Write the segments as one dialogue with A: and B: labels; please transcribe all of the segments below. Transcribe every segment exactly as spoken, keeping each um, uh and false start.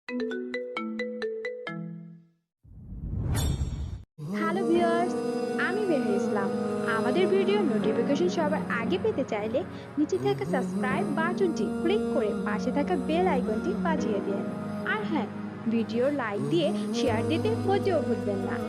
A: Hello viewers, আমি বের ইসলাম। আমাদের ভিডিও নোটিফিকেশন সবার আগে পেতে চাইলে নিচে থাকা সাবস্ক্রাইব বাটনটি ক্লিক করে পাশে থাকা বেল আইকনটি বাজিয়ে দিন। আর হ্যাঁ, ভিডিও লাইক দিয়ে শেয়ার দিতে মোটেও ভুলবেন না।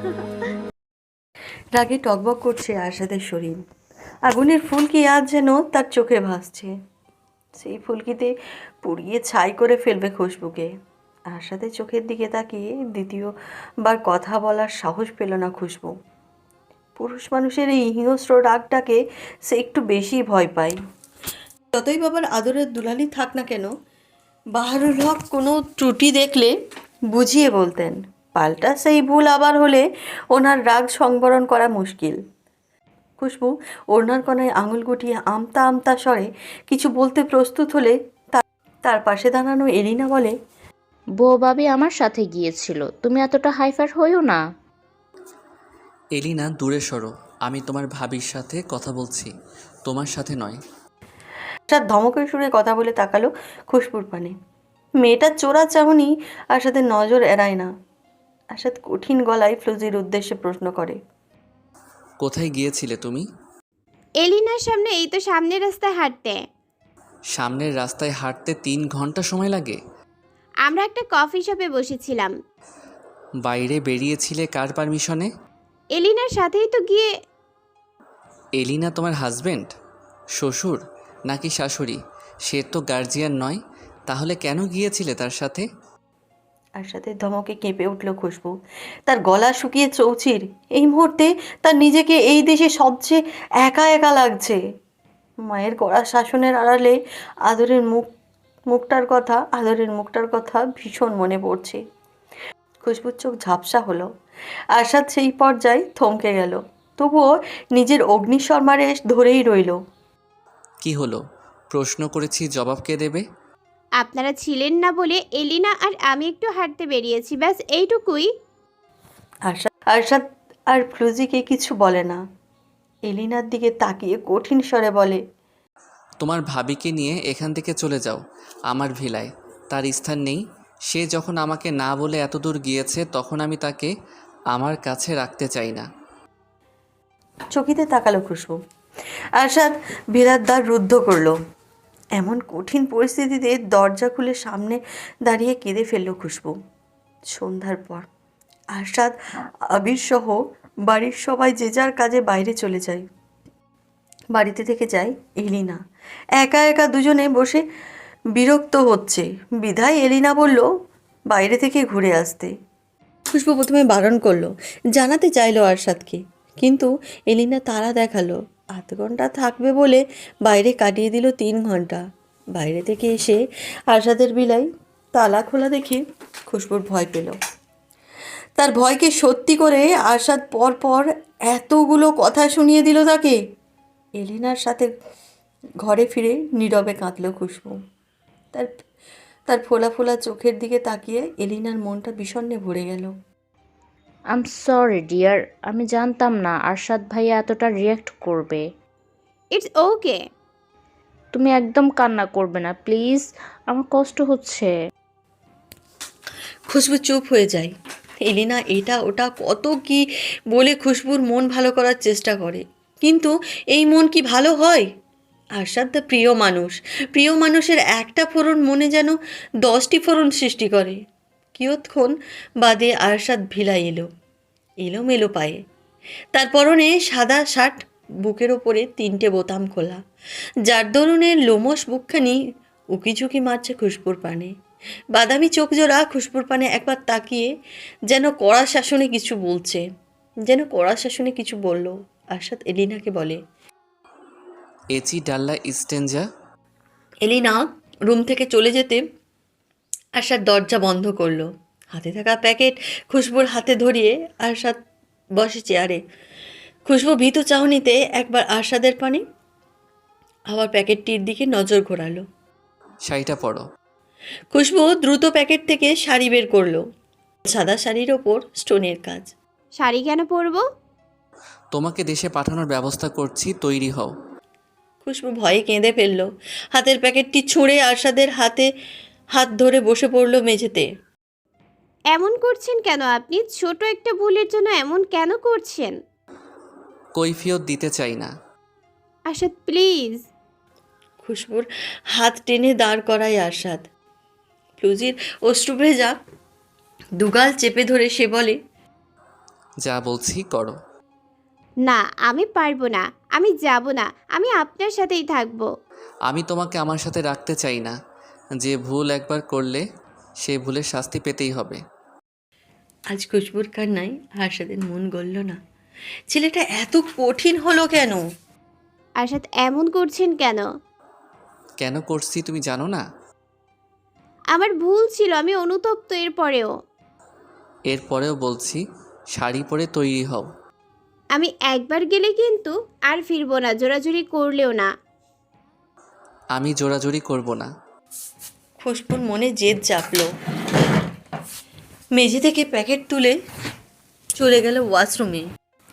B: রাগে টকবক করছে আরশাদের শরীর। আগুনের ফুলকি আজ যেন তার চোখে ভাসছে। সেই ফুলকিতে পুড়িয়ে ছাই করে ফেলবে খুশবুকে। আরশাদের চোখের দিকে তাকিয়ে দ্বিতীয়বার কথা বলার সাহস পেল না খুশবু। পুরুষ মানুষের এই হিংস্র রাগটাকে সে একটু বেশি ভয় পায়। যতই বাবার আদরের দুলালি থাক না কেন, বাহারুল হক কোনো ত্রুটি দেখলে বুঝিয়ে বলতেন। পাল্টা সেই ভুল আবার হলে ওনার রাগ সংবরণ করা মুশকিল। খুশবু ওড়নার কোনায় আঙুল গুটিয়ে আমতা আমতা স্বরে কিছু বলতে প্রস্তুত হলে তার পাশে দাঁড়ানো এলিনা বলে,
C: বউ ভাবি আমার সাথে গিয়েছিল, তুমি এতটা হাইফার হইও না।
D: এলিনা দূরে সরো, আমি তোমার ভাবির সাথে কথা বলছি, তোমার সাথে নয়।
B: আরশাদ ধমকের সুরে কথা বলে তাকালো খুশবুর পানে। মেয়েটার চোরা চাহনি আরশাদের নজর এড়ায় না। আরশাদ কঠিন গলায় ফ্লুজির উদ্দেশ্যে প্রশ্ন করে,
D: কোথায় গিয়েছিলে তুমি?
E: এলিনার সামনে, এই তো সামনের রাস্তায় হাঁটতে।
D: সামনের রাস্তায় হাঁটতে তিন ঘন্টা সময় লাগে?
E: আমরা একটা কফি শপে বসেছিলাম।
D: বাইরে বেরিয়েছিলে কার পারমিশনে?
E: এলিনার সাথেই তো গিয়ে।
D: এলিনা তোমার হাজবেন্ড, শ্বশুর নাকি শাশুড়ি? সে তো গার্জিয়ান নয়, তাহলে কেন গিয়েছিলে তার সাথে?
B: আরশাদের ধমকে কেঁপে উঠল খুশবু। তার গলা শুকিয়ে চৌচির। এই মুহূর্তে তার নিজেকে এই দেশে সবচেয়ে একা একা লাগছে। মায়ের কড়া শাসনের আড়ালে আদরের মুখ মুখটার কথা আদরের মুখটার কথা ভীষণ মনে পড়ছে। খুশবুর চোখ ঝাপসা হলো। আরশাদ সেই পর্যায়ে থমকে গেল, তবুও নিজের অগ্নিশর্মারে ধরেই রইল।
D: কি হলো? প্রশ্ন করেছি, জবাব কে দেবে?
E: আপনারা ছিলেন না বলে এলিনা আর আমি একটু হাঁটতে বেরিয়েছি, ব্যাস এইটুকুই।
B: আরশাদ আরশাদ আর ফ্লুজিকে কিছু বলে না। এলিনার দিকে তাকিয়ে কঠিন স্বরে বলে,
D: তোমার ভাবিকে নিয়ে এখান থেকে চলে যাও আমার ভিলায়। তার স্থান নেই। সে যখন আমাকে না বলে এত দূর গিয়েছে, তখন আমি তাকে আমার কাছে রাখতে চাই না।
B: চকিতে তাকালো খুশবু। আরশাদ ভিলার দ্বার রুদ্ধ করলো। এমন কঠিন পরিস্থিতিতে দরজা খুলে সামনে দাঁড়িয়ে কেঁদে ফেলল খুশবু। সন্ধ্যার পর আরশাদ আবির সহ বাড়ির সবাই যে যার কাজে বাইরে চলে যায়। বাড়িতে থেকে যায় এলিনা। একা একা দুজনে বসে বিরক্ত হচ্ছে বিধায় এলিনা বলল বাইরে থেকে ঘুরে আসতে। খুশবু প্রথমে বারণ করলো, জানাতে চাইলো আরশাদকে, কিন্তু এলিনা তারা দেখালো। আধ ঘন্টা থাকবে বলে বাইরে কাটিয়ে দিল তিন ঘন্টা। বাইরে থেকে এসে আরশাদের বিলাই তালা খোলা দেখে খুশবুর ভয় পেল। তার ভয়কে সত্যি করে আরশাদ পর পর এতগুলো কথা শুনিয়ে দিল তাকে। এলিনার সাথে ঘরে ফিরে নীরবে কাঁদল খুশবু। তার তার ফোলা ফোলা চোখের দিকে তাকিয়ে এলিনার মনটা বিষণ্ণে ভরে গেল।
C: আই এম সরি ডিয়ার, আমি জানতাম না আরশাদ ভাইয়া এতটা রিয়্যাক্ট করবে।
E: It's okay.
C: তুমি একদম কান্না করবে না প্লিজ, আমার কষ্ট হচ্ছে।
B: খুশবু চুপ হয়ে যায়। এলিনা এটা ওটা কত কি বলে খুশবুর মন ভালো করার চেষ্টা করে, কিন্তু এই মন কি ভালো হয়? আরশাদ তার প্রিয় মানুষ। প্রিয় মানুষের একটা ফোড়ন মনে যেন দশটি ফোড়ন সৃষ্টি করে। কিয়ৎক্ষণ বাদে আরশাদ ভিলায় এলো, এলোমেলো পায়ে। তার পরনে সাদা শার্ট, বুকের ওপরে তিনটে বোতাম খোলা, যার দরুনের লোমশ বুকখানি উকিঝুঁকি মারছে খুশবুর পানে। বাদামি চোখ জোড়া খুশবুর পানে একবার তাকিয়ে যেন কড়া শাসনে কিছু বলছে, যেন কড়া শাসনে কিছু বলল। আরশাদ এলিনাকে বলে,
D: এচি ডাল্লা ইস্টেঞ্জা।
B: এলিনা রুম থেকে চলে যেতে আরশাদ দরজা বন্ধ করলো। হাতে থাকা প্যাকেট খুশবুর হাতে ধরিয়ে আরশাদ বসে চেয়ারে। খুশবু ভীত চাহনিতে একবার আরশাদের পানে, আবার প্যাকেটটির দিকে নজর ঘোরালো।
D: শাড়িটা পরো।
B: খুশবু দ্রুত প্যাকেট থেকে শাড়ি বের করলো। সাদা শাড়ির ওপর স্টোনের কাজ।
E: শাড়ি কেন পরবো?
D: তোমাকে দেশে পাঠানোর ব্যবস্থা করছি, তৈরি হও।
B: খুশবু ভয়ে কেঁদে ফেলল। হাতের প্যাকেটটি ছুঁড়ে আরশাদের হাতে হাত ধরে বসে পড়ল মেঝেতে।
E: এমন করছেন কেন আপনি? ছোট একটা ভুলের জন্য এমন কেন করছেন?
D: কৈফিয়ত দিতে চাই না।
E: আশাদ প্লিজ।
B: খুশবুর হাত টেনে দাঁড় করায় আরশাদ। প্লুজির অশ্রুভেজা দুগাল চেপে ধরে সে বলে,
D: যা বলছি করো।
E: না আমি পারবো না, আমি যাব না, আমি আপনার সাথেই থাকবো।
D: আমি তোমাকে আমার সাথে রাখতে চাই না। যে ভুল একবার করলে সে ভুলের শাস্তি পেতেই হবে।
B: আজ খুশবুর কান্নায় আরশাদের মন গলল না। ছেলেটা এত কঠিন হলো কেন?
E: আশাদ এমন করছেন কেন?
D: কেন করছি তুমি জানো না?
E: আমার ভুল ছিল, আমি অনুতপ্ত এরপরেও।
D: এরপরেও বলছি, শাড়ি পরে তৈরি হও।
E: আমি একবার গেলে কিন্তু আর ফিরবো না, জোরাজুরি করলেও না।
D: আমি জোরাজুরি করব না।
B: খুশবুর মনে জেদ চাপলো। মেঝে থেকে প্যাকেট তুলে চলে গেল ওয়াশরুমে।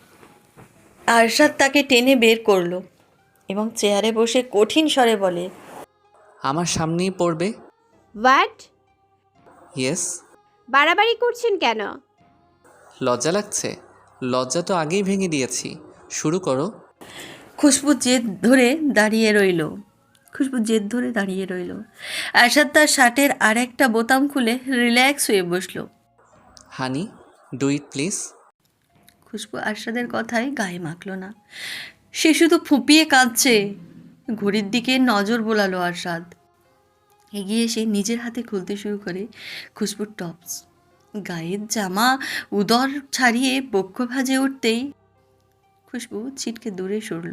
B: আরশাদ তাকে টেনে বের করলো এবং চেয়ারে বসে কঠিন স্বরে বলে,
D: আমার সামনেই পড়বে।
E: হোয়াট?
D: ইয়েস।
E: বাড়াবাড়ি করছেন কেন?
D: লজ্জা লাগছে? লজ্জা তো আগেই ভেঙে দিয়েছি। শুরু করো।
B: খুশবু জেদ ধরে দাঁড়িয়ে রইল খুশবু জেদ ধরে দাঁড়িয়ে রইল আরশাদ তার শার্টের আর একটা বোতাম খুলে রিল্যাক্স হয়ে বসলো।
D: হানি, ডু ইট প্লিজ।
B: খুশবু আরশাদের কথায় গায়ে মাখল না। সে শুধু ফুঁপিয়ে কাঁদছে। ঘড়ির দিকে নজর বোলালো আরশাদ। এগিয়ে এসে নিজের হাতে খুলতে শুরু করে খুশবুর টপস। গায়ের জামা উদর ছাড়িয়ে বক্ষ ভাজে উঠতেই খুশবু ছিটকে দূরে সরল।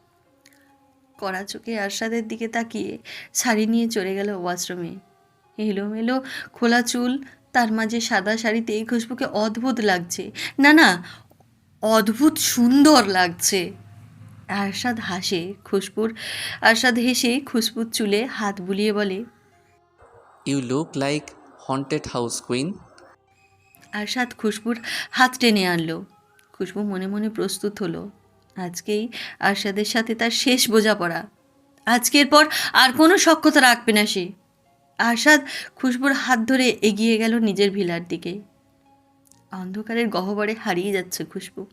B: কড়া চোখে আরশাদের দিকে তাকিয়ে শাড়ি নিয়ে চলে গেল ওয়াশরুমে। এলোমেলো খোলা চুল, তার মাঝে সাদা শাড়িতে খুশবুকে অদ্ভুত লাগছে। না না, অদ্ভুত সুন্দর লাগছে। আরশাদ হাসে খুশবুর আরশাদ হেসে খুশবুর চুলে হাত বুলিয়ে বলে,
D: you look like haunted house queen.
B: Arshad খুশবুর হাত টেনে আনলো। খুশবু মনে মনে প্রস্তুত হলো। আজকেই আরশাদের সাথে তার শেষ বোঝাপড়া। আজকের পর আর কোনো সখ্যতা রাখবে না সে। আরশাদ খুশবুর হাত ধরে এগিয়ে গেল নিজের ভিলার দিকে। অন্ধকারের গহ্বরে হারিয়ে যাচ্ছে খুশবু।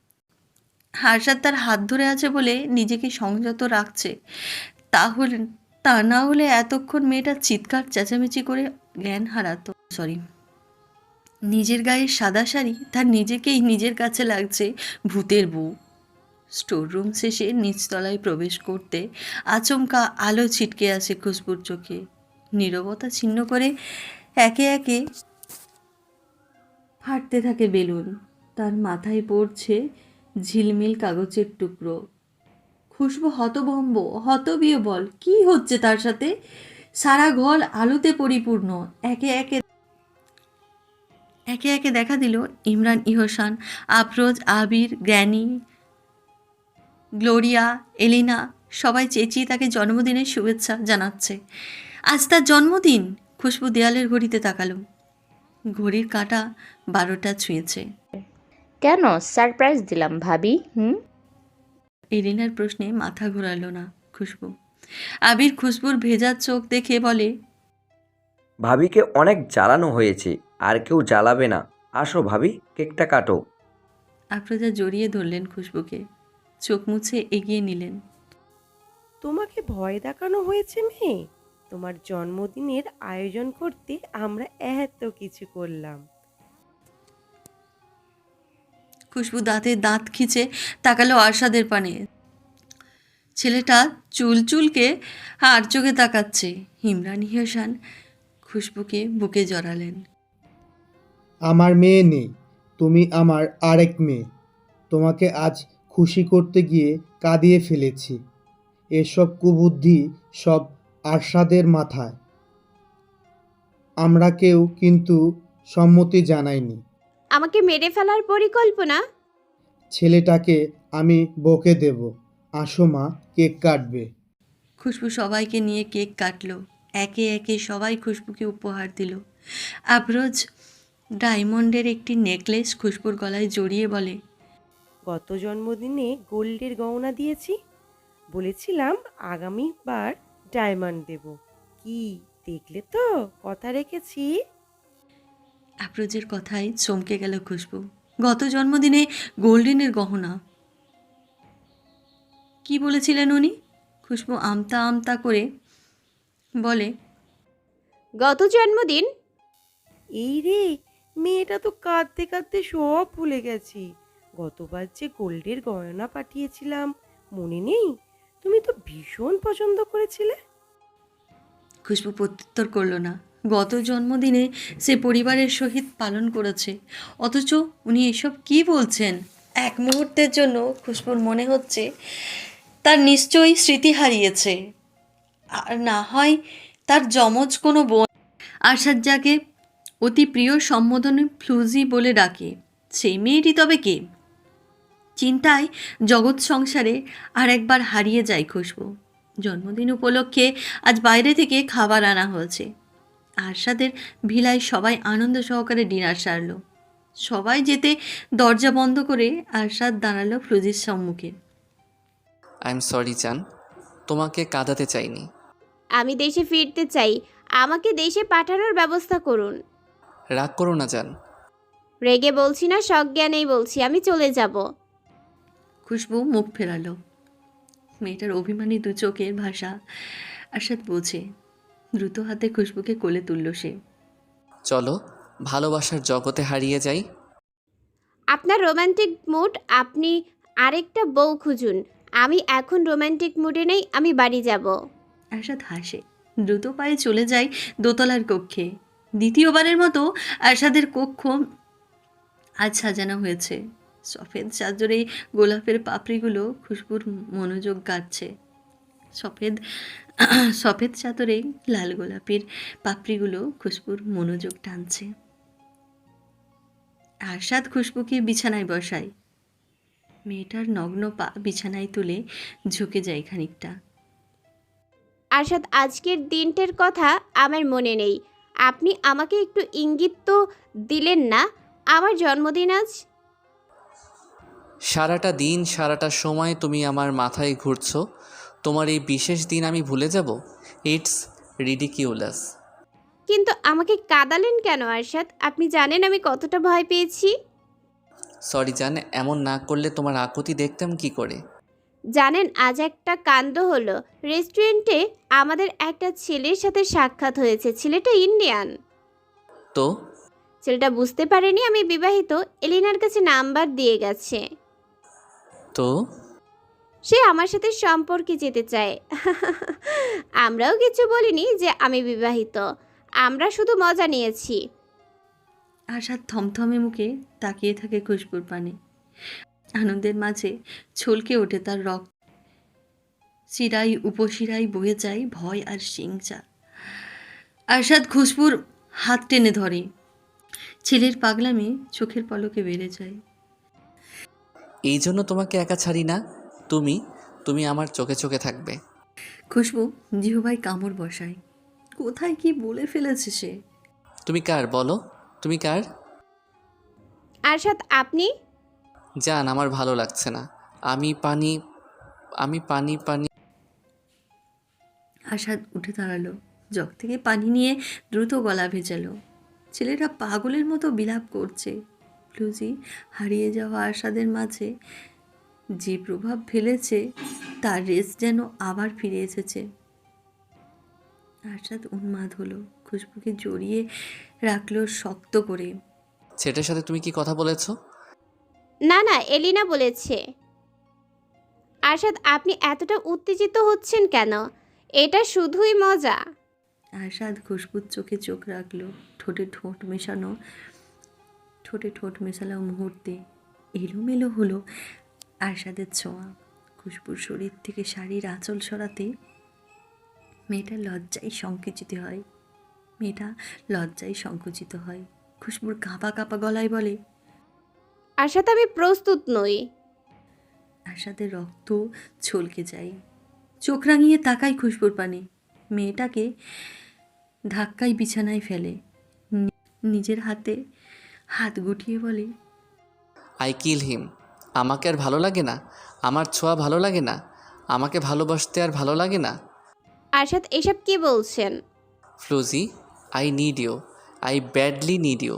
B: আরশাদ তার হাত ধরে আছে বলে নিজেকে সংযত রাখছে। তাহলে তা না হলে এতক্ষণ মেয়েটা চিৎকার চেঁচামেচি করে জ্ঞান হারাতো। সরি, নিজের গায়ে সাদা শাড়ি তার নিজেকেই নিজের কাছে লাগছে ভূতের বউ। স্টোররুম শেষে নিচতলায় প্রবেশ করতে আচমকা আলো ছিটকে আসে খুশবুর চোখে। নীরবতা ছিন্ন করে একে একে ফাটতে থাকে বেলুন। তার মাথায় পড়ছে ঝিলমিল কাগজের টুকরো। খুশবু হতভম্ব, হতবিহ্বল। কি হচ্ছে তার সাথে? সারা ঘর আলোতে পরিপূর্ণ। একে একে একে একে দেখা দিল Imran, Ihsan, Afroz, Abir, granny, Gloria, Elina সবাই চেঁচিয়ে তাকে জন্মদিনের শুভেচ্ছা জানাচ্ছে। আজ তার জন্মদিন। খুশবু দেয়ালের ঘড়িতে তাকালো। ঘড়ির কাঁটা বারোটা ছুঁয়েছে।
C: কেন সারপ্রাইজ দিলাম ভাবি? হুম
B: এলিনার প্রশ্নে মাথা ঘোরালো না খুশবু। আবির খুশবুর ভেজা চোখ দেখে বলে,
F: ভাবিকে অনেক জ্বালানো হয়েছে, আর কেউ জ্বালাবে না। আসো ভাবি, কেকটা কাটো।
B: আফরোজা জড়িয়ে ধরলেন খুশবুকে, চোখ মুছে এগিয়ে নিলেন।
G: তোমাকে ভয় দেখানো হয়েছে মেয়ে? তোমার জন্মদিনের আয়োজন করতে আমরা এত কিছু করলাম।
B: খুশবু দাঁতে দাঁত খিচে তাকালো আরশাদের পানে। ছেলেটা চুল চুলকে আর চোখে তাকাচ্ছে। ইমরান, ইহসান খুশবুকে বুকে জড়ালেন।
H: আমার মেয়ে নেই, তুমি আমার আরেক মেয়ে। তোমাকে আজ খুশি করতে গিয়ে কাঁদিয়ে ফেলেছি। এসব কুবুদ্ধি সব আরশাদের মাথায়। আমরা কেউ কিন্তু সম্মতি জানাইনি।
E: আমাকে মেরে ফেলার পরিকল্পনা?
H: ছেলেটাকে আমি বকে দেব। আসো মা, কেক কাটবে।
B: খুশবু সবাইকে নিয়ে কেক কাটলো। একে একে সবাই খুশবুকে উপহার দিল। আফরোজ ডায়মন্ডের একটি নেকলেস খুশবুর গলায় জড়িয়ে বলে,
G: গত জন্মদিনে গোল্ডের গয়না দিয়েছি, বলেছিলাম আগামীবার ডায়মন্ড দেব। কি দেখলে তো কথা রেখেছি।
B: আফরোজের কথায় চমকে গেল খুশবু। গত জন্মদিনে গোল্ডেনের গহনা। কি বলেছিলেন উনি? খুশবু আমতা আমতা করে বলে,
E: গত জন্মদিন?
G: এই রে, মেয়েটা তো কাঁদতে কাঁদতে সব ভুলে গেছি। গতবার যে গোল্ডের গয়না পাঠিয়েছিলাম মনে নেই? তুমি তো ভীষণ পছন্দ করেছিলে।
B: খুশবু প্রত্যুত্তর করল না। গত জন্মদিনে সে পরিবারের সহিত পালন করেছে, অথচ উনি এসব কি বলছেন? এক মুহূর্তের জন্য খুশবুর মনে হচ্ছে তার নিশ্চয়ই স্মৃতি হারিয়েছে, আর না হয় তার যমজ কোনো বোন। আরশাদ যাকে অতি প্রিয় সম্বোধনে ফ্লুজি বলে ডাকে, সেই মেয়েটি তবে কে? চিন্তায় জগৎ সংসারে আর একবার হারিয়ে যায় খুশবু। জন্মদিন উপলক্ষে আজ বাইরে থেকে খাবার আনা হয়েছে। আরশাদের ভিলায় সবাই আনন্দ সহকারে ডিনার সারল। সবাই যেতে দরজা বন্ধ করে আরশাদ দাঁড়ালো ফ্লুজির সম্মুখে।
D: আই এম সরি জান, তোমাকে কাঁদাতে চাইনি।
E: আমি দেশে ফিরতে চাই, আমাকে দেশে পাঠানোর ব্যবস্থা করুন।
D: রাগ করো না জান।
E: রেগে বলছি না, সজ্ঞানেই বলছি, আমি চলে যাব।
B: খুশবু মুখ ফেরালো। মেয়েটার অভিমানী দু চোখের ভাষা আরশাদ বোঝে। দ্রুত হাতে খুশবুকে কোলে তুলল সে।
D: চলো ভালোবাসার জগতে হারিয়ে যাই।
E: আপনার রোমান্টিক মুড, আপনি আরেকটা বউ খুঁজুন। আমি এখন রোমান্টিক মুডে নেই, আমি বাড়ি যাব।
B: আরশাদ হাসে, দ্রুত পায়ে চলে যায় দোতলার কক্ষে। দ্বিতীয়বারের মতো আরশাদের কক্ষ আজ সাজানো হয়েছে। সফেদ চাদরে গোলাপের পাপড়িগুলো খুশবুর মনোযোগ কাটছে। সফেদ সফেদ চাদরে লাল গোলাপের পাপড়িগুলো খুশবুর মনোযোগ টানছে। আরশাদ খুশবুকে বিছানায় বসায়। মেয়েটার নগ্ন পা বিছানায় তুলে ঝুঁকে যায় খানিকটা।
E: আরশাদ, আজকের দিনটার কথা আমার মনে নেই। আপনি আমাকে একটু ইঙ্গিত তো দিলেন না, আমার জন্মদিন আজ।
D: সারাটা দিন সারাটা সময় তুমি আমার মাথায় ঘুরছো, তোমার এই বিশেষ দিন আমি ভুলে যাব? It's ridiculous.
E: কিন্তু আমাকে কাঁদালেন কেন আরশাদ? আপনি জানেন আমি কতটা ভয় পেয়েছি।
D: সরি জান, এমন না করলে তোমার আকুতি দেখতাম কি করে?
E: জানেন আজ একটা কাণ্ড হলো। রেস্টুরেন্টে আমাদের একটা ছেলের সাথে সাক্ষাৎ হয়েছে। ছেলেটা ইন্ডিয়ান।
D: তো
E: ছেলেটা বুঝতে পারেনি আমি বিবাহিত, এলিনার কাছে নাম্বার দিয়ে গেছে।
D: তো
E: সে আমার সাথে সম্পর্কে যেতে চায়। আমরাও কিছু বলিনি যে আমি বিবাহিত, আমরা শুধু মজা নিয়েছি।
B: আরশাদ থমথমে মুখে তাকিয়ে থাকে খুশবুর পানে। আনন্দের মাঝে ছলকে ওঠে তার রক্ত। শিরাই উপশিরাই বয়ে যায় ভয় আর শিংচা। আরশাদ খুশবুর হাত টেনে ধরে। ছেলের পাগলামি চোখের পলকে বেড়ে যায়।
D: এই জন্য তোমাকে একা ছাড়ি না, তুমি তুমি আমার চোখে চোখে থাকবে।
B: খুশবু জিহবাই কামড় বসায়। কোথায় কি বলে ফেলেছে সে?
D: তুমি কার বলো, তুমি কার?
E: আরশাদ, আপনি?
D: জান, আমার ভালো লাগছে না। আমি পানি আমি পানি পানি
B: আরশাদ উঠে দাঁড়ালো। জগ থেকে পানি নিয়ে দ্রুত গলা ভেজালো। ছেলেটা পাগলের মতো বিলাপ করছে। ফ্লুজি হারিয়ে যাওয়া আরশাদের মাঝে যে প্রভাব ফেলেছে তার রেস যেন আবার ফিরে এসেছে। আরশাদ উন্মাদ হলো, খুশবুকে জড়িয়ে রাখলো শক্ত করে।
D: ছেলেটার সাথে তুমি কি কথা বলেছো?
E: না না, এলিনা বলেছে। আরশাদ, আপনি এতটা উত্তেজিত হচ্ছেন কেন? এটা শুধুই মজা।
B: আরশাদ খুশবুর চোখে চোখ রাখলো। ঠোঁটে ঠোঁট মেশানো ঠোঁটে ঠোঁট মেশালো মুহূর্তে এলোমেলো হলো আরশাদের ছোঁয়া। খুশবুর শরীর থেকে শাড়ির আঁচল সরাতে মেয়েটা লজ্জায় সংকুচিত হয় মেয়েটা লজ্জায় সংকুচিত হয় খুশবুর কাঁপা কাঁপা গলায় বলে,
E: আরশাদ, আমি প্রস্তুত নই।
B: আরশাদের রক্ত ছলকে যায়। চোখ রাঙিয়ে তাকায় খুশবুর পানে। মেয়েটাকে ধাক্কায় বিছানায় ফেলে। নি- নিজের হাতে হাত গুটিয়ে বলে,
D: আই কিল হিম। আমাকে আর ভালো লাগে না? আমার ছোঁয়া ভালো লাগে না? আমাকে ভালোবাসতে আর ভালো লাগে না?
E: আরশাদ, এসব কি বলছেন?
D: Floozy, I need you, I badly need you.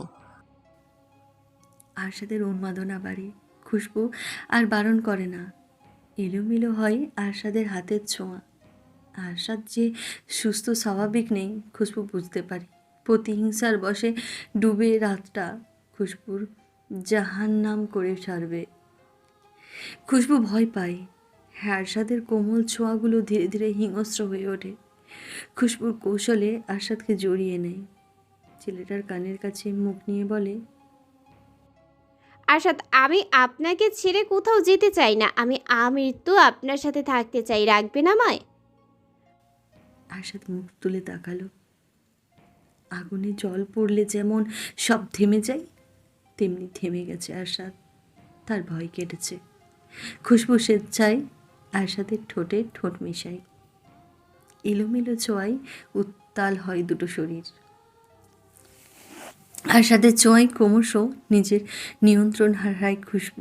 B: আরশাদের উন্মাদনা বাড়ে। খুশবু আর বারণ করে না। এলোমেলো হয় আরশাদের হাতের ছোঁয়া। আরশাদ যে সুস্থ স্বাভাবিক নেই খুশবু বুঝতে পারে। প্রতিহিংসার বশে ডুবে রাতটা খুশবুর জাহান্নাম করে ছাড়বে। খুশবু ভয় পায়। আরশাদের কোমল ছোঁয়াগুলো ধীরে ধীরে হিংস্র হয়ে ওঠে। খুশবুর কৌশলে আরশাদকে জড়িয়ে নেয়। ছেলেটার কানের কাছে মুখ নিয়ে বলে,
E: আরশাদ, আমি আপনাকে ছেড়ে কোথাও যেতে চাই না। আমি আমৃত্যু আপনার সাথে থাকতে চাই। রাখবেন আমায়?
B: আরশাদ মুখ তুলে তাকালো। আগুনে জল পড়লে যেমন সব থেমে যায়, তেমনি থেমে গেছে আরশাদ। তার ভয় কেটেছে। খুশবু স্বেচ্ছায় আরশাদের ঠোঁটে ঠোঁট মেশায়। এলোমেলো ছোঁয়ায় উত্তাল হয় দুটো শরীর। আরশাদের ছোঁয়ায় ক্রমশ নিজের নিয়ন্ত্রণ হারায় খুশবু।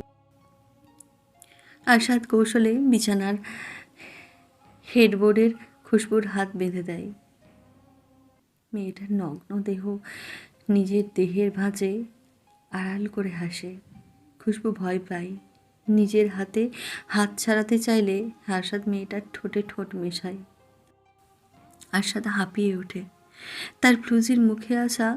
B: আরশাদ কৌশলে বিছানার হেডবোর্ডের খুশবুর হাত বেঁধে দেয়। মেয়েটার নগ্ন দেহ নিজের দেহের ভাঁজে আড়াল করে হাসে। খুশবু ভয় পায়। নিজের হাতে হাত ছাড়াতে চাইলে আরশাদ মেয়েটার ঠোঁটে ঠোঁট মেশায়। আরশাদ হাঁপিয়ে ওঠে। তার ফ্লুজির মুখে আসা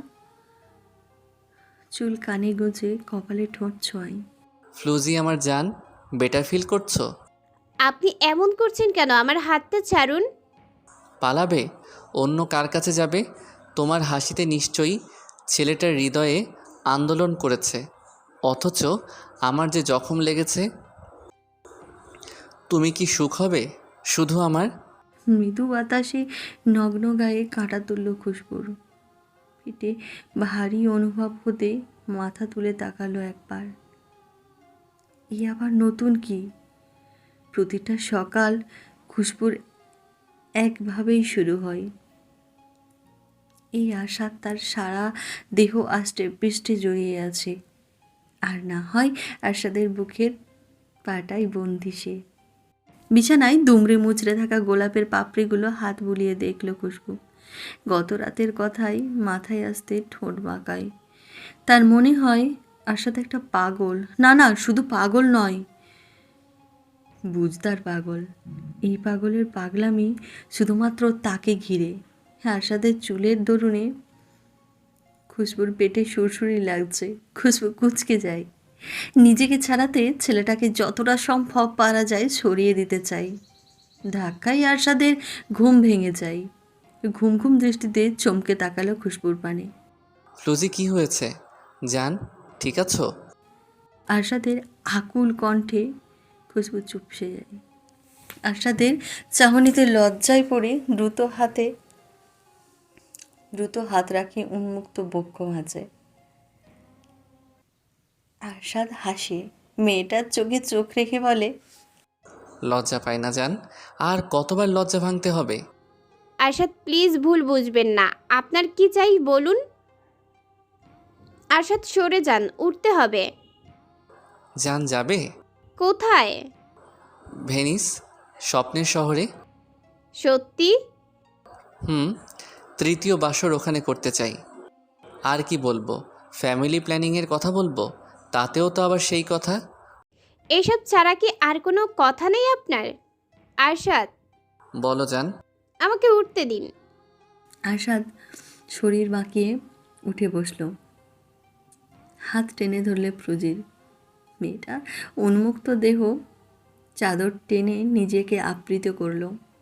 B: চুল কানে গুঁজে কপালে ঠোঁট ছোঁয়।
D: ফ্লুজি আমার জান, বেটার ফিল করছো?
E: আপনি এমন করছেন কেন? আমার হাতটা ছাড়ুন।
D: পালাবে? অন্য কার কাছে যাবে? তোমার হাসিতে নিশ্চয়ই ছেলেটার হৃদয়ে আন্দোলন করেছে, অথচ আমার যে জখম লেগেছে। তুমি কি সুখ হবে শুধু আমার?
B: মৃদু বাতাসে নগ্ন গায়ে কাঁটা তুলল খুশবুর। পিঠে ভারী অনুভব হতে মাথা তুলে তাকালো একবার। এই আবার নতুন কি? প্রতিটা সকাল খুশবুর একভাবেই শুরু হয়। এই আশা তার সারা দেহ আষ্টে পৃষ্ঠে জড়িয়ে আছে। আর না হয় আশাদের বুকের পাটাই বন্দি সে। বিছানায় দুমড়ে মুচড়ে থাকা গোলাপের পাপড়িগুলো হাত বুলিয়ে দেখল খুশবু। গত রাতের কথাই মাথায় আসতে ঠোঁট বাঁকায়। তার মনে হয় আশাদ একটা পাগল। না না, শুধু পাগল নয়, বুঝদার পাগল। এই পাগলের পাগলামি শুধুমাত্র তাকে ঘিরে। আশাদের চুলের দরুনে খুশবুর পেটে সুরসুরি লাগছে। খুশবু কুঁচকে যায়। নিজেকে ছাড়াতে ছেলেটাকে যতটা সম্ভব পারা যায় সরিয়ে দিতে চাই। ধাক্কায় আরশাদের ঘুম ভেঙে যায়। ঘুম ঘুম দৃষ্টিতে চমকে তাকালো খুশবুর পানে।
D: ফ্লুজি কি হয়েছে জান, ঠিক আছো?
B: আরশাদের আকুল কণ্ঠে খুশবু চুপসে যায়। আরশাদের চাহনিতে লজ্জায় পড়ে দ্রুত হাতে দ্রুত হাত রাখে উন্মুক্ত বক্ষ মাঝে। আরশাদ হাসে। মেয়েটার চোখে চোখ রেখে বলে,
D: লজ্জা পায় না জান? আর কতবার লজ্জা ভাঙতে হবে?
E: আরশাদ, প্লিজ ভুল বুঝবেন না। আপনার কি চাই বলুন? আরশাদ, সরে যান, উঠতে হবে।
D: জান যাবে?
E: কোথায়?
D: ভেনিস, স্বপ্নের শহরে।
E: সত্যি?
D: হুম, তৃতীয় বাসর ওখানে করতে চাই। আর কি বলবো, ফ্যামিলি প্ল্যানিংয়ের কথা বলবো, তাতেও তো আবার সেই কথা।
E: এসব ছাড়া কি আর কোনো কথা নেই আপনার? আরশাদ,
D: বলো জান।
E: আমাকে উঠতে দিন।
B: আরশাদ শরীর বাঁকিয়ে উঠে বসল। হাত টেনে ধরলে ফ্লুজির। মেয়েটা উন্মুক্ত দেহ চাদর টেনে নিজেকে আবৃত করল।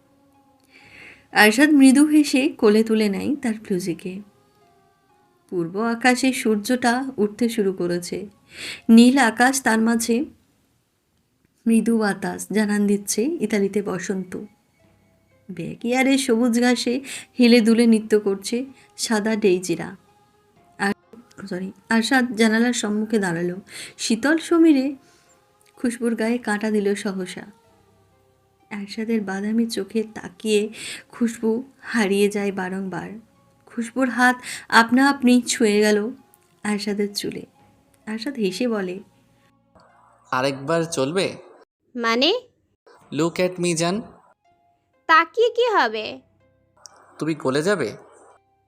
B: আরশাদ মৃদু হেসে কোলে তুলে নেয় তার ফ্লুজিকে। পূর্ব আকাশে সূর্যটা উঠতে শুরু করেছে। নীল আকাশ, তার মাঝে মৃদু বাতাস জানান দিচ্ছে ইতালিতে বসন্ত। ব্যাকইয়ার্ডে সবুজ ঘাসে হেলে দুলে নৃত্য করছে সাদা ডেইজিরা। আর সরি আরশাদ জানালার সম্মুখে দাঁড়ালো। শীতল সমীরে খুশবুর গায়ে কাঁটা দিল সহসা। আরশাদের বাদামি চোখে তাকিয়ে খুশবু হারিয়ে যায় বারংবার। খুশবুর হাত আপনা আপনি ছুঁয়ে গেল আরশাদের চুলে। আরশাদ হেসে বলে,
D: আরেকবার চলবে?
E: মানে?
D: লুক অ্যাট মি জান।
E: তাকিয়ে কি হবে?
D: তুমি গলে যাবে?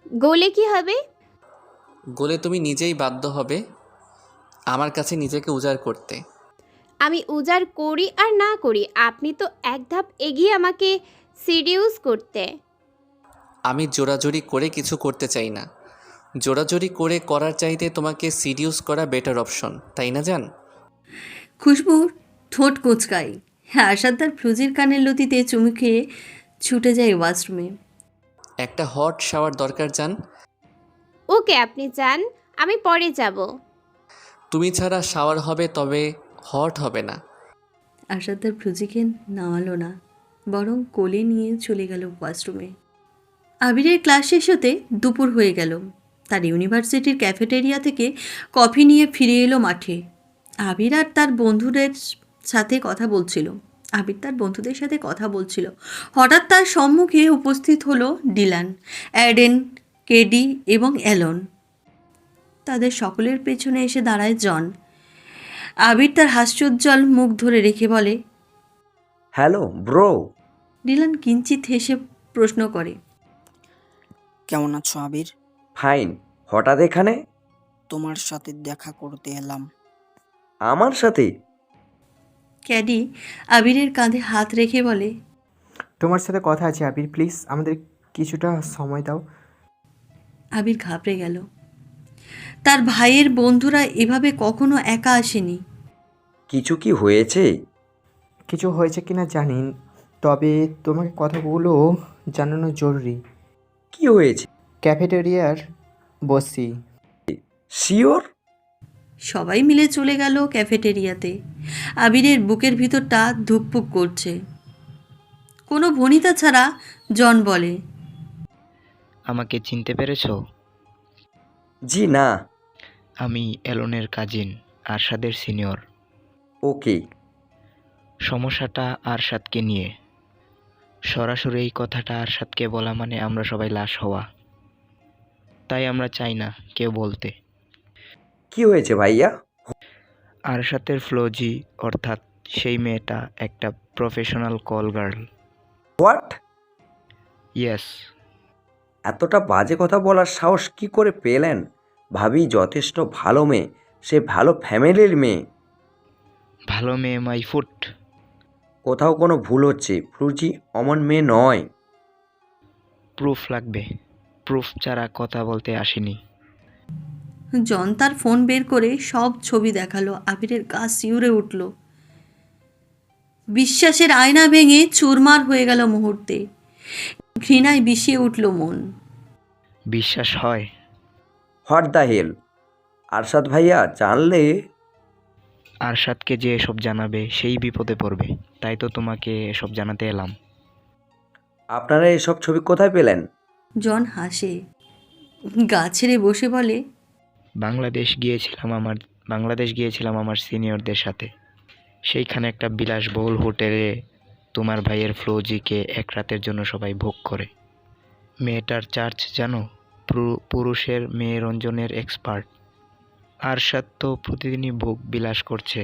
E: গোলে কি হবে?
D: গোলে তুমি নিজেই বাধ্য হবে আমার কাছে নিজেকে উজাড় করতে।
E: আমি উজাড় করি আর না করি, আপনি তো এক ধাপ এগিয়ে আমাকে সিডিউস করতে।
D: আমি জোরাজোরি করে কিছু করতে চাই না। জোরাজোরি করে করার চাইতে তোমাকে সিডিউস করা বেটার অপশন, তাই না জান?
B: খুশবুর ঠোঁট কোঁচকায়। হ্যাঁ, আরশাদ তার ফ্লুজির কানের লতিতে চুমু খেয়ে ছুটে যায় ওয়াশরুমে।
D: একটা হট শাওয়ার দরকার জান।
E: ওকে, আপনি যান, আমি পরে যাব।
D: তুমি ছাড়া শাওয়ার হবে, তবে হট হবে না।
B: আরশাদ তার ফ্লুজিকে নামালো না, বরং কোলে নিয়ে চলে গেল ওয়াশরুমে। আবিরের ক্লাস শেষ হতে দুপুর হয়ে গেল। তার ইউনিভার্সিটির ক্যাফেটেরিয়া থেকে কফি নিয়ে ফিরে এলো মাঠে। আবির আর তার বন্ধুদের সাথে কথা বলছিল আবির তার বন্ধুদের সাথে কথা বলছিল হঠাৎ তার সম্মুখে উপস্থিত হলো ডিলান, অ্যাডেন, কেডি এবং অ্যালন। তাদের সকলের পেছনে এসে দাঁড়ায় জন। আবির তার হাস্যোজ্জ্বল মুখ ধরে রেখে বলে,
F: হ্যালো ব্রো।
B: ডিলান কিঞ্চিত হেসে প্রশ্ন করে,
I: কেমন আছো আবির?
F: ফাইন। হঠাৎ এখানে?
I: তোমার সাথে দেখা করতে এলাম।
F: আমার সাথে?
B: ক্যাডি আবিরের কাঁধে হাত রেখে বলে,
J: তোমার সাথে কথা আছে আবির, প্লিজ আমাদের কিছুটা সময় দাও।
B: আবির ঘাবড়ে গেল। তার ভাইয়ের বন্ধুরা এভাবে কখনো একা আসেনি।
F: কিছু কি হয়েছে?
J: কিছু হয়েছে কিনা জানি, তবে তোমাকে কথাগুলো জানানো জরুরি।
F: কি হয়েছে?
J: ক্যাফেটেরিয়ার বসি।
F: শিওর?
B: সবাই মিলে চলে গেল ক্যাফেটেরিয়াতে। আবিরের বুকের ভিতরটা ধুকপুক করছে। কোনো ভনিতা ছাড়া জন বলে,
K: আমাকে চিনতে পেরেছো?
F: জি না।
K: আমি এলনের কাজিন, আরশাদের সিনিয়র।
F: ওকে।
K: সমস্যাটা আরশাদকে নিয়ে। সরাসরি এই কথাটা আরশাদকে বলা মানে আমরা সবাই লাশ হওয়া। তাই আমরা চাই না কেউ বলতে।
F: কি হয়েছে ভাইয়া?
K: আরশাদের ফ্লোজি, অর্থাৎ সেই মেয়েটা একটা professional call girl.
F: What?
K: Yes.
F: এতটা বাজে কথা বলার সাহস কি করে পেলেন? ভাবি যথেষ্ট ভালো মেয়ে, সে ভালো ফ্যামিলির মেয়ে।
K: ভালো মেয়ে মাই ফুট।
F: কোথাও কোনো ভুল হচ্ছে, ফ্লুজি অমন মেয়ে নয়।
K: প্রুফ লাগবে। প্রুফ ছাড়া কথা বলতে আসেনি।
B: জন তার ফোন বের করে সব ছবি দেখালো। আবিরের গা শিউরে উঠল। বিশ্বাসের আয়না ভেঙে চুরমার হয়ে গেল মুহূর্তে। ঘৃণায় বিষিয়ে উঠল মন।
K: বিশ্বাস হয়?
F: What the hell? আরশাদ ভাইয়া জানলে?
K: আরশাদকে যে এসব জানাবে সেই বিপদে পড়বে, তাই তো তোমাকে এসব জানাতে এলাম।
F: আপনারা এসব ছবি কোথায় পেলেন?
B: জন হাসে, গা ছেড়ে বসে বলে,
K: বাংলাদেশ গিয়েছিলাম আমার বাংলাদেশ গিয়েছিলাম আমার সিনিয়রদের সাথে। সেইখানে একটা বিলাসবহুল হোটেলে তোমার ভাইয়ের ফ্লোজিকে এক রাতের জন্য সবাই ভোগ করে। মেয়েটার চার্জ জানো? পুরু- পুরুষের মেয়ে রঞ্জনের এক্সপার্ট। আরশাদ তো প্রতিদিনই ভোগ বিলাস করছে।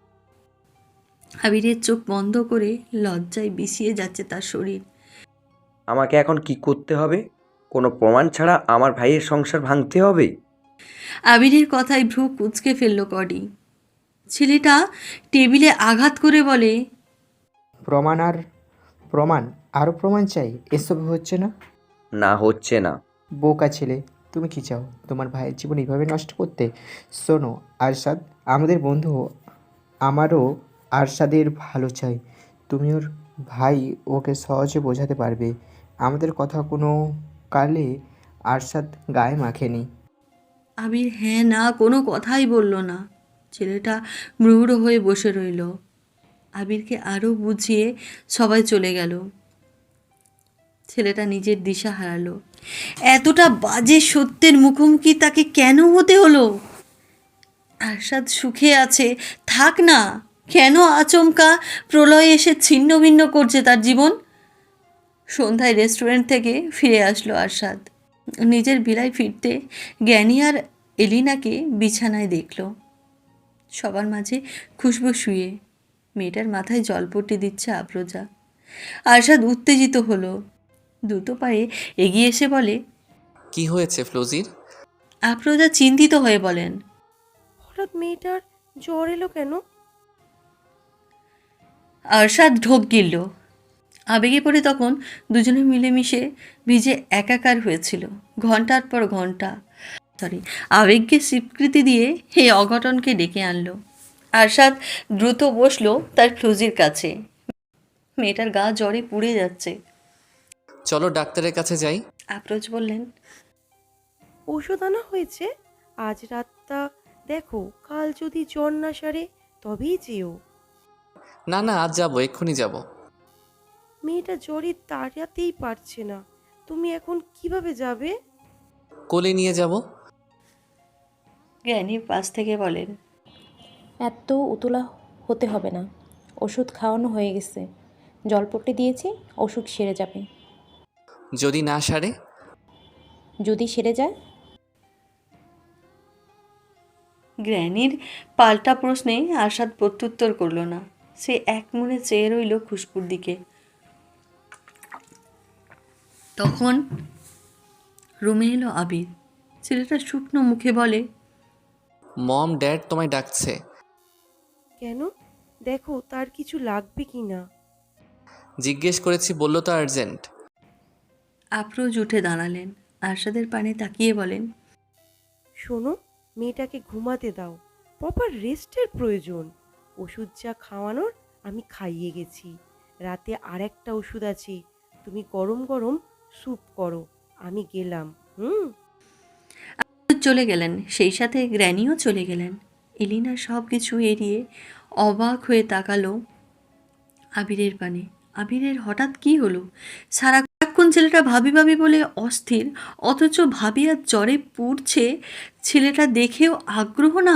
B: আবিরের চোখ বন্ধ করে লজ্জায় বিষিয়ে যাচ্ছে তার শরীর।
F: আমাকে এখন কি করতে হবে? কোনো প্রমাণ ছাড়া আমার ভাইয়ের সংসার ভাঙতে হবে?
B: আবিরের কথায় ভ্রু কুঁচকে ফেলল কডি। ছেলেটা টেবিলে আঘাত করে বলে,
J: প্রমাণ আর প্রমাণ, আরও প্রমাণ চাই? এসব হচ্ছে না।
F: না হচ্ছে না।
J: বোকা ছেলে, তুমি কি চাও তোমার ভাইয়ের জীবন এইভাবে নষ্ট করতে? শোনো আরশাদ আমাদের বন্ধু, আমারও আরশাদের ভালো চাই। তুমি ওর ভাই, ওকে সহজে বোঝাতে পারবে। আমাদের কথা কোনো কালে আরশাদ গায়ে মাখেনি।
B: আবির হ্যাঁ না কোনো কথাই বলল না। ছেলেটা মৃহুড় হয়ে বসে রইল। আবিরকে আরও বুঝিয়ে সবাই চলে গেল। ছেলেটা নিজের দিশা হারালো। এতটা বাজে সত্যের মুখোমুখি তাকে কেন হতে হলো? আরশাদ সুখে আছে, থাক না। কেন আচমকা প্রলয় এসে ছিন্ন ভিন্ন করছে তার জীবন? সন্ধ্যায় রেস্টুরেন্ট থেকে ফিরে আসলো আরশাদ। নিজের ভিলায় ফিরতে জ্ঞানী আর এলিনাকে বিছানায় দেখল। সবার মাঝে খুশবু শুয়ে, মেয়েটার মাথায় জলপট্টি দিচ্ছে আফরোজা। আরশাদ উত্তেজিত হলো, দ্রুত পায়ে এগিয়ে এসে বলে,
D: কি হয়েছে ফ্লোজির?
B: আফরোজা চিন্তিত হয়ে বলেন।
G: হঠাৎ মেয়েটার জ্বর এলো কেন?
B: আরশাদ ঢোক গিলল। আবেগে পড়ে তখন দুজনে মিলেমিশে ভিজে একাকার হয়েছিল ঘন্টার পর ঘন্টা। সরি, আবেগকে স্বীকৃতি দিয়ে এই অঘটনকে ডেকে আনলো। আরশাদ দ্রুত বসলো তার ফ্লুজির কাছে। মেয়েটার গা জ্বরে পুড়ে যাচ্ছে।
D: চলো ডাক্তারের কাছে যাই।
B: আফরোজ বললেন।
G: ওষুধ আনা হয়েছে, আজ রাতটা দেখো, কাল যদি জ্বর না সারে তবেই যেও।
D: না না, আজ যাবো, এক্ষুনি যাব।
G: মেয়েটা জ্বরে দাঁড়াতেই পারছে না, তুমি এখন কিভাবে যাবে?
D: কোলে নিয়ে যাব।
B: জ্ঞানী পাশ থেকে বলেন।
C: এত উতলা হতে হবে না, ওষুধ খাওয়ানো হয়ে গেছে, জলপট্টি দিয়েছি, ওষুধ সেরে যাবে।
D: যদি না সারে?
C: যদি সেরে যায়?
B: গ্র্যানির পাল্টা প্রশ্নে আরশাদ প্রত্যুত্তর করল না। সে এক মনে চেয়ে রইল খুশবুর দিকে। তখন রুমে এলো আবির। ছেলেটা শুকনো মুখে বলে,
D: মম ড্যাড তোমায় ডাকছে।
G: কেন? দেখো তার কিছু লাগবে কি না।
D: জিজ্ঞেস করেছি, বললো তো আর্জেন্ট।
B: আফরোজ উঠে দাঁড়ালেন। আরশাদের পানে তাকিয়ে বলেন,
G: শোনো, মেয়েটাকে ঘুমাতে দাও, প্রপার রেস্টের প্রয়োজন। ওষুধ যা খাওয়ানোর আমি খাইয়ে গেছি, রাতে আর একটা ওষুধ আছে, তুমি গরম গরম স্যুপ করো, আমি গেলাম। হুম।
B: চলে গেলেন, সেই সাথে গ্র্যানিও চলে গেলেন। এলিনা সব কিছু এড়িয়ে অবাক হয়ে তাকালো আবিরের পানে। আবিরের হঠাৎ কি হলো? সারাক্ষণ ছেলেটা ভাবি ভাবি বলে অস্থির, অথচ ভাবি আর জ্বরে পুড়ছে। ছেলেটা দেখেও আগ্রহ না,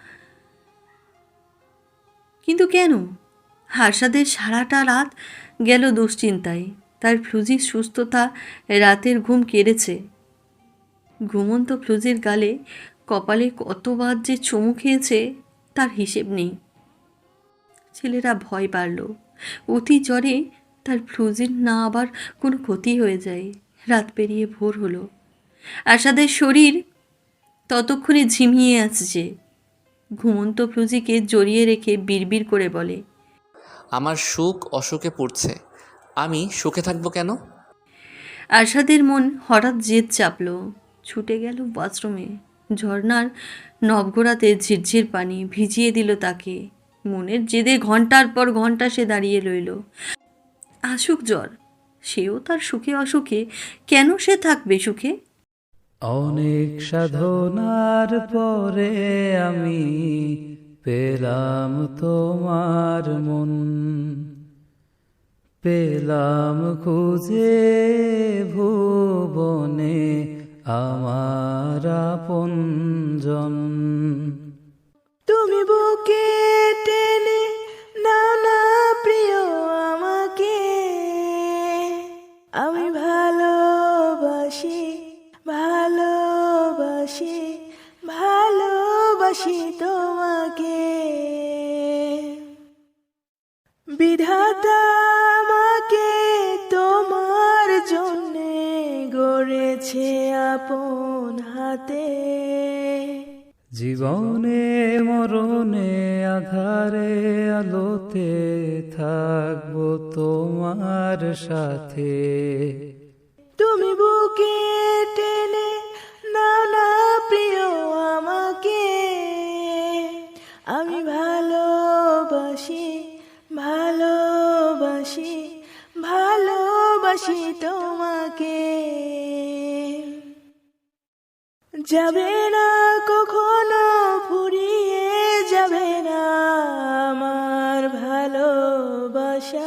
B: কিন্তু কেন? হার্ষাদের সারাটা রাত গেল দুশ্চিন্তায়। তার ফ্লুজির সুস্থতা রাতের ঘুম কেড়েছে। ঘুমন্ত ফ্লুজির গালে কপালে কতবার যে চুমু খেয়েছে তার হিসেব নেই। ছেলেরা ভয় পারল, অতি জ্বরে তার ফ্লুজির না আবার কোনো ক্ষতি হয়ে যায়। রাত পেরিয়ে ভোর হলো। আশাদের শরীর ততক্ষণে ঝিমিয়ে আসছে। ঘুমন্ত ফ্লুজিকে জড়িয়ে রেখে বিড়বিড় করে বলে,
D: আমার সুখ অসুখে পড়ছে, আমি সুখে থাকবো কেন?
B: আশাদের মন হঠাৎ জেদ চাপল। ছুটে গেল বাথরুমে। ঝর্ণার নবঘোরাতে ঝিরঝির পানি ভিজিয়ে দিল তাকে। মনের জেদে ঘন্টার পর ঘন্টা সে দাঁড়িয়ে রইল। আসুক জ্বর, সেও তার সুখে অসুখে, কেন সে থাকবে সুখে?
L: অনেক সাধনার পরে আমি পেলাম তোমার মন, পেলাম খুঁজে ভুবনে আমার আপনজন।
M: তুমি বুকে টেনে নাও না প্রিয় আমাকে, আমি ভালোবাসি ভালোবাসি ভালোবাসি তোমাকে। বিধাতা আমাকে তোমার জন্যে গড়েছে আপন হাতে।
L: জীবনে মরণে আধারে আলোতে থাকবো তোমার সাথে।
M: তুমি বুকে টেনে নাও না প্রিয় আমাকে, আমি ভালোবাসি ভালোবাসি ভালোবাসি তোমাকে। যাবে না কখনো ফুরিয়ে যাবে না আমার ভালোবাসা।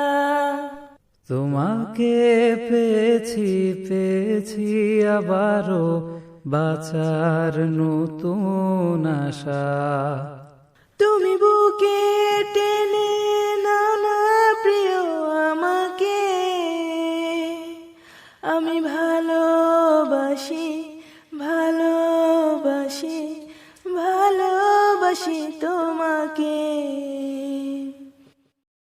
L: তোমাকে পেয়েছি পেয়েছি আবারও বাঁচার নতুন আশা।
M: তুমি বুকে টেনে